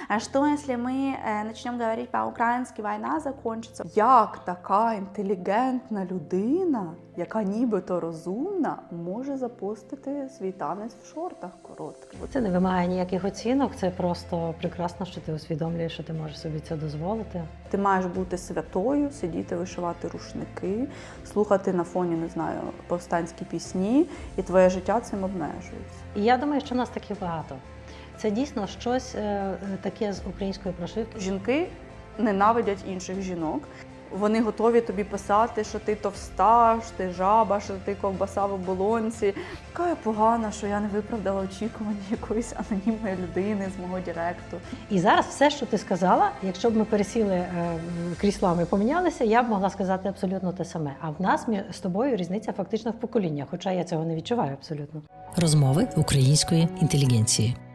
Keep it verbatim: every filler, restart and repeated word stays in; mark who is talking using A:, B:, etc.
A: А что, если мы э, начнем говорить по-українськи, війна закончиться? Як така інтелігентна людина, яка нібито розумна, може запостити свій танець в шортах коротких?
B: Це не вимагає ніяких оцінок, це просто прекрасно, що ти усвідомлюєш, що ти можеш собі це дозволити.
A: Ти маєш бути святою, сидіти, вишивати рушники, слухати на фоні, не знаю, повстанські пісні, і твоє життя цим обмежується.
B: І я думаю, що нас таких багато. Це дійсно щось е, таке з української прошивки.
A: Жінки ненавидять інших жінок. Вони готові тобі писати, що ти товста, що ти жаба, що ти ковбаса в оболонці. Яка я погана, що я не виправдала очікування якоїсь анонімної людини з мого директу.
B: І зараз все, що ти сказала, якщо б ми пересіли е, кріслами, помінялися, я б могла сказати абсолютно те саме. А в нас з тобою різниця фактично в поколіннях, хоча я цього не відчуваю абсолютно.
C: Розмови української інтелігенції.